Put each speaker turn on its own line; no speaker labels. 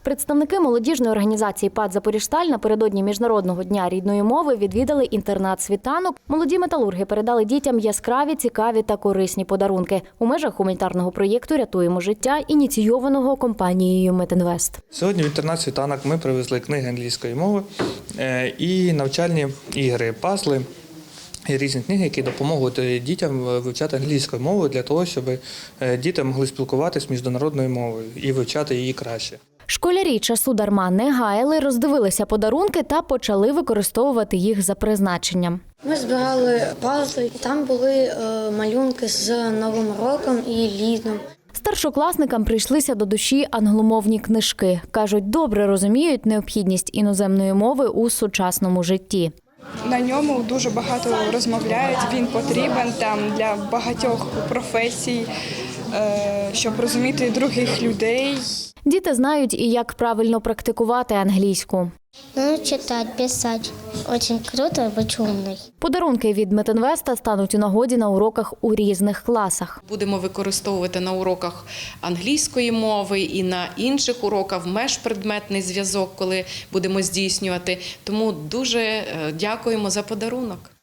Представники молодіжної організації ПАТ «Запоріжсталь» напередодні Міжнародного дня рідної мови відвідали інтернат-світанок. Молоді металурги передали дітям яскраві, цікаві та корисні подарунки у межах гуманітарного проєкту «Рятуємо життя», ініційованого компанією «Метінвест».
Сьогодні в інтернат-світанок ми привезли книги англійської мови і навчальні ігри, пазли і різні книги, які допоможуть дітям вивчати англійську мову для того, щоб діти могли спілкуватися міжнародною мовою і вивчати її краще.
Школярі часу дарма не гаяли, роздивилися подарунки та почали використовувати їх за призначенням.
Ми збирали пазли, там були малюнки з Новим роком і літом.
Старшокласникам прийшлися до душі англомовні книжки. Кажуть, добре розуміють необхідність іноземної мови у сучасному житті.
На ньому дуже багато розмовляють, він потрібен там для багатьох професій, щоб розуміти других людей.
Діти знають і як правильно практикувати англійську.
Читати, писати. Дуже круто бути умною.
Подарунки від Метінвеста стануть у нагоді на уроках у різних класах.
Будемо використовувати на уроках англійської мови і на інших уроках межпредметний зв'язок, коли будемо здійснювати. Тому дуже дякуємо за подарунок.